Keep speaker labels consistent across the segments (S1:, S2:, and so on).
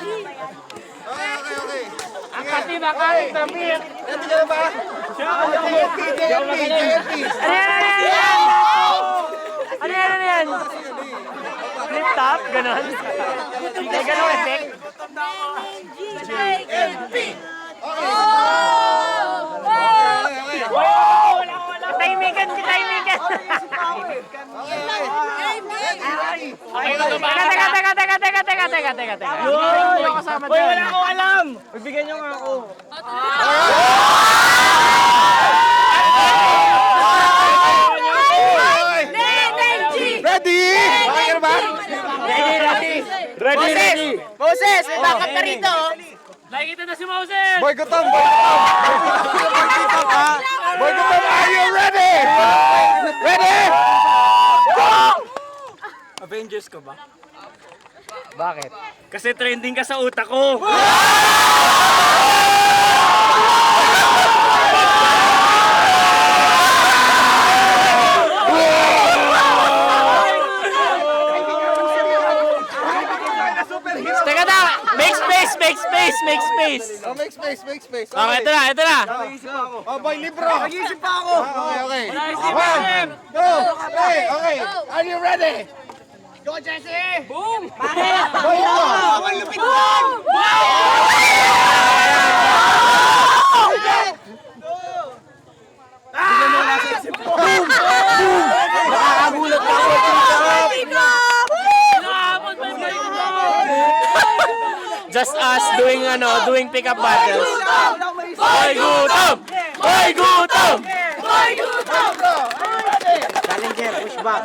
S1: Okay.
S2: Ang kati-nakati, Tamir.
S1: Ready ka na ba? JLP.
S2: Ano yan? Flip top? Ganon? May ganon effect?
S1: JLP.
S2: Katahimikan! Teka. Hoy, wala akong alam! Magbigyan niyo nga ako.
S1: Ready? Okay ka na ba?
S2: Ready!
S3: Moses, may backup ka rito.
S2: Nakikita na si Moses!
S1: Boy Gutom, are you ready? Ready? Go!
S2: Avengers ka ba?
S3: Bakit?
S2: Kasi trending ka sa utak ko. Teka na! Make space!
S1: Oh, make space.
S2: Okay, ito na.
S1: Oh, boy, libro.
S3: Nag-iisip pa ako.
S1: Okay.
S2: Wala isip,
S1: One,
S2: Jim.
S1: two, three. Okay. Are you ready?
S3: Go, Jesse!
S2: Boom!
S1: Boy, libro.
S3: Malupit lang!
S1: Nakakagulat ka ako.
S2: Just us doing pick-up battles. Boy gutom!
S3: Challenger, push back.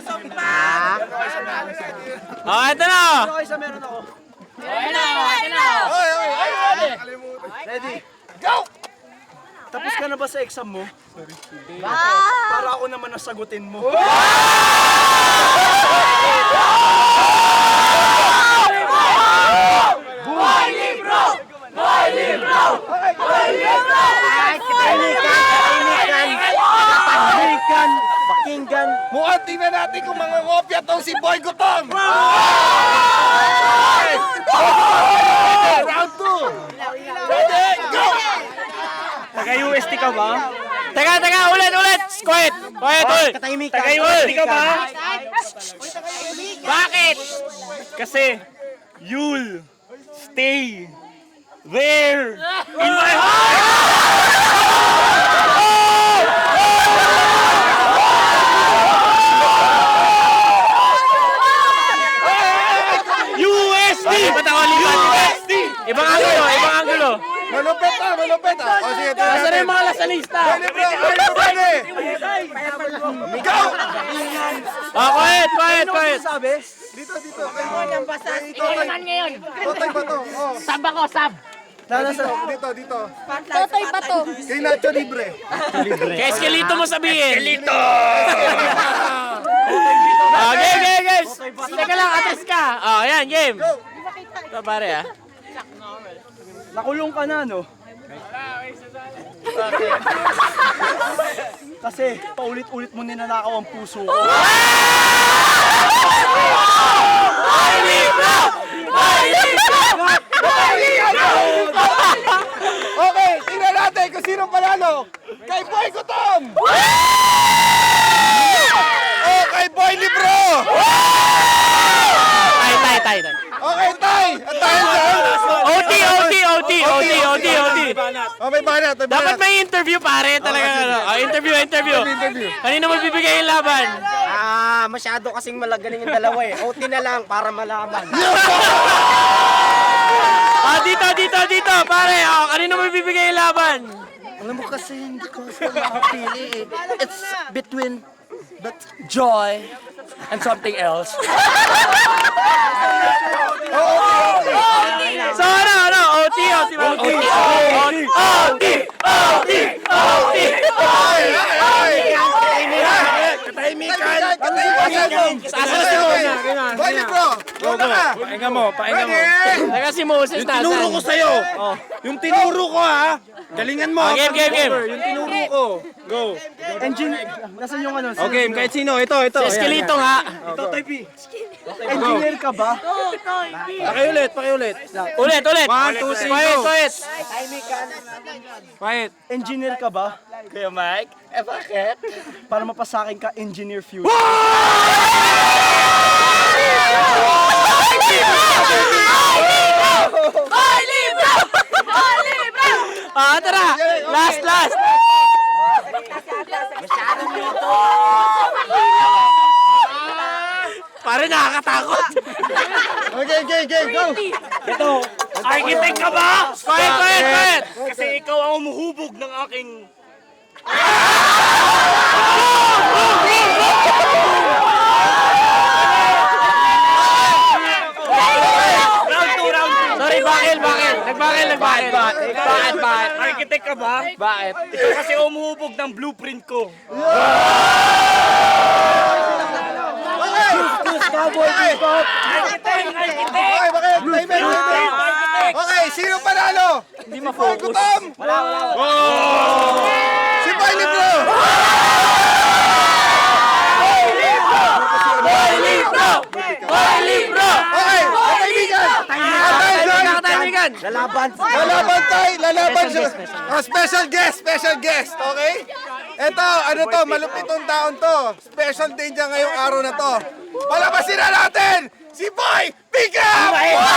S2: Oh, ito na!
S1: Ready?
S4: Tapos ka na ba sa exam mo? Para ako naman nasagutin mo.
S3: Pakinggan.
S1: Mukhang tingnan natin kung mga ngopya tong si Boy Gutom. Round 2. Ready? Go!
S4: Taga-UST ka ba?
S2: Teka, ulit! Quiet! Ulit!
S3: Katahimikan.
S4: Taga-UST ka ba?
S2: Bakit?
S4: Kasi, you'll stay there in my heart! UST! UST!
S2: Ibang angulo!
S1: Malupit ah. O sige,
S2: Nasaan na yung mga lasalista?
S1: Boy libro, are you ready? Go!
S2: Oh, quiet!
S4: Sabi?
S1: Dito.
S3: Ikaw naman ngayon.
S1: Totoy ba to? Oh.
S3: Sab ako, sab.
S1: Dito.
S3: Totoy ba to?
S1: Kay Nacho Libre.
S2: Kaya eskelito mo sabihin! Eskelito! Game! Teka lang, atas ka! Oh, yan, game! Ito pare
S4: Nakulong ka na, no? Kasi paulit-ulit mo ninanakaw ang puso ko.
S1: Okay, tingnan natin kung sino panalo. Kay Boy Gutom! O kay Boy Libro!
S2: Tay.
S1: Okay, Tay! At dahil dyan...
S2: OT!
S1: Oh, may banat.
S2: Dapat may interview pare talaga. Interview. Kanino mo bibigay yung laban?
S3: Masyado kasing malagaling yung dalawa eh. OT na lang para malaman.
S2: Dito, pare. Kanino mo bibigay yung laban?
S3: Alam mo kasi hindi ko sila makapili eh. It's between joy and something else.
S2: So ano? OT.
S1: Katahimikan! Boy Libro! Go na!
S4: Pahinga mo.
S2: Teka si Moses nasan?
S4: Tinuro ko sa'yo. Yung tinuro ko, ha? Galingan mo.
S2: Game.
S4: Yung tinuro ko. Go. Engine. Nasaan yung ano?
S1: Okay, kahit sino. Ito.
S2: Si Eskelito nga.
S4: Ito, type E. Engineer ka ba?
S1: Pakiulit.
S2: Ulit.
S1: 1, 2, 3, go.
S2: Quiet.
S1: Quiet.
S4: Engineer ka ba?
S3: Kuya Mike? Eh, bakit?
S4: Para mapasakin ka, Engineer Fusion.
S2: Tara. Last. Pare, nakakatakot.
S1: Okay, go.
S2: Architect ka ba? Quiet.
S4: Kasi ikaw ang umuhubog ng aking...
S2: Sorry, bakil. Nagbakil. Bakit?
S4: Architect ka ba?
S2: Bakit?
S4: Ikaw kasi umuhubog ng blueprint ko.
S1: Okay, bakit? Time. Okay, sino panalo?
S2: Hindi
S1: Boy
S2: ma-focus.
S1: Gutom! Si Boy Libro!
S2: Boy Libro!
S1: Okay,
S2: Kaibigan.
S1: Lalaban siya. Special guest, okay? Eto, ano to, malupit tong taon to. Special day niya ngayong araw na to. Palabasin na natin si Boy Pickup!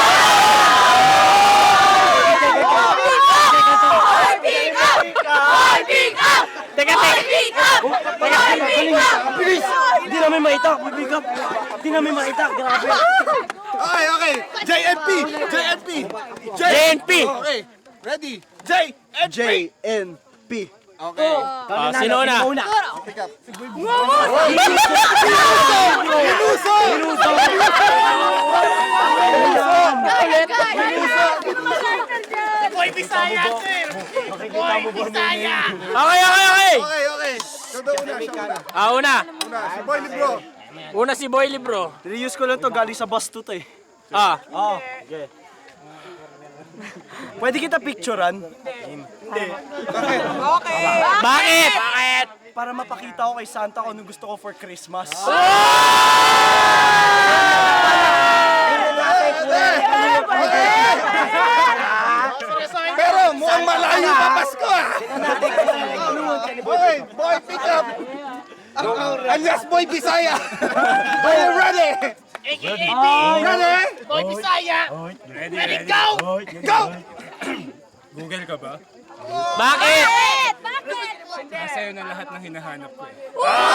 S2: Teka.
S4: Hindi namin maitak, mabigat. Hindi namin maitak, grabe.
S1: Okay. JNP.
S2: JNP.
S1: Okay, ready? JNP.
S4: JNP.
S1: Okay.
S2: Sino na?
S1: Pickup.
S2: Okay.
S1: Okay. Siya
S2: Una.
S1: Si Boy Libro.
S2: Una si Boy Libro.
S4: Reuse ko lang to, galing sa bus to eh. Okay. Pwede kita picturean?
S2: Bakit?
S4: Para mapakita ko kay Santa kung anong gusto ko for Christmas.
S1: Pero mukhang malayo pa Pasko ah. Boy Pickup. Alias Boy Bisaya. Are you ready? Ready?
S2: Boy Bisaya.
S1: Ready, go! Go!
S5: Google ka ba?
S2: Bakit?
S5: Sa'yo na lahat ng hinahanap ko eh.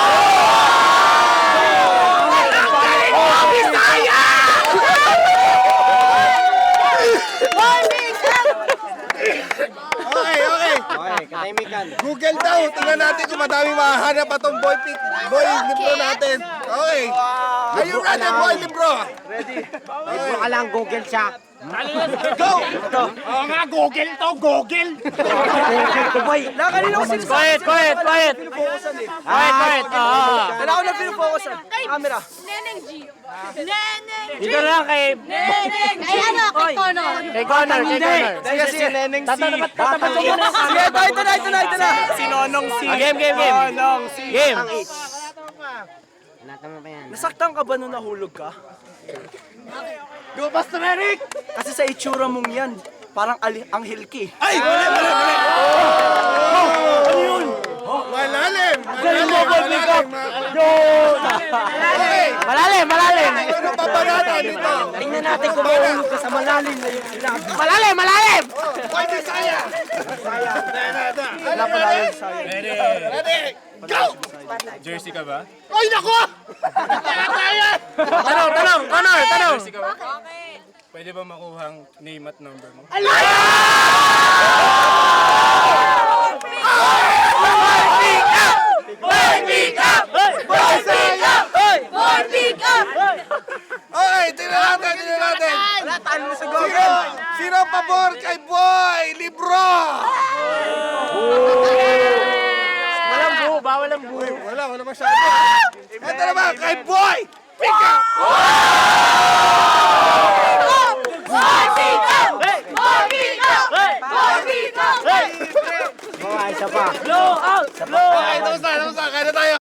S1: Okay. Google daw. Tingnan natin kung madami mahahanap pa tong Boy Libro natin. Okay. Are you ready, Boy Libro?
S3: Baka lang Google siya.
S1: Go!
S3: Boy,
S4: Kanina ko sinasabi.
S2: Quiet. Quiet.
S4: Kailangan ko na pinufokusan. Camera.
S6: Neneng G. Neneng G.
S2: Dito lang kay
S6: Ay, ano? Kay Connor.
S2: Connor.
S4: Sige, Neneng C.
S2: Tatapat ko muna.
S4: Sige, ito na. Si Nonong C.
S2: Game.
S4: Nonong C.
S2: Game.
S4: Nasaktan ka ba nung nahulog ka? Go, Pastor Eric! Kasi sa itsura mong yan, parang anghel ka eh.
S1: Ay! Mali! Ano yun? Malalim! Okay!
S2: Malalim.
S1: Ano pa ba natin dito?
S3: tingnan natin kung mahulog ka sa malalim na yung sinabi.
S2: Malalim.
S1: Boy Bisaya!
S4: Wala pala yun sa'yo.
S1: Ready? Go!
S5: Jersey ka ba?
S1: Ay, naku!
S2: Tanong. Connor.
S5: Jersey ka ba? Pwede ba makuhang name at number mo?
S1: Okay, tingnan natin. Sino ang pabor kay Boy Libro?
S2: Bawal ang buo.
S1: Wala masyado. Ito naman kay Boy Pickup!
S3: Isa pa.
S2: Blow out.
S1: Okay, tapos na. Kaya na tayo.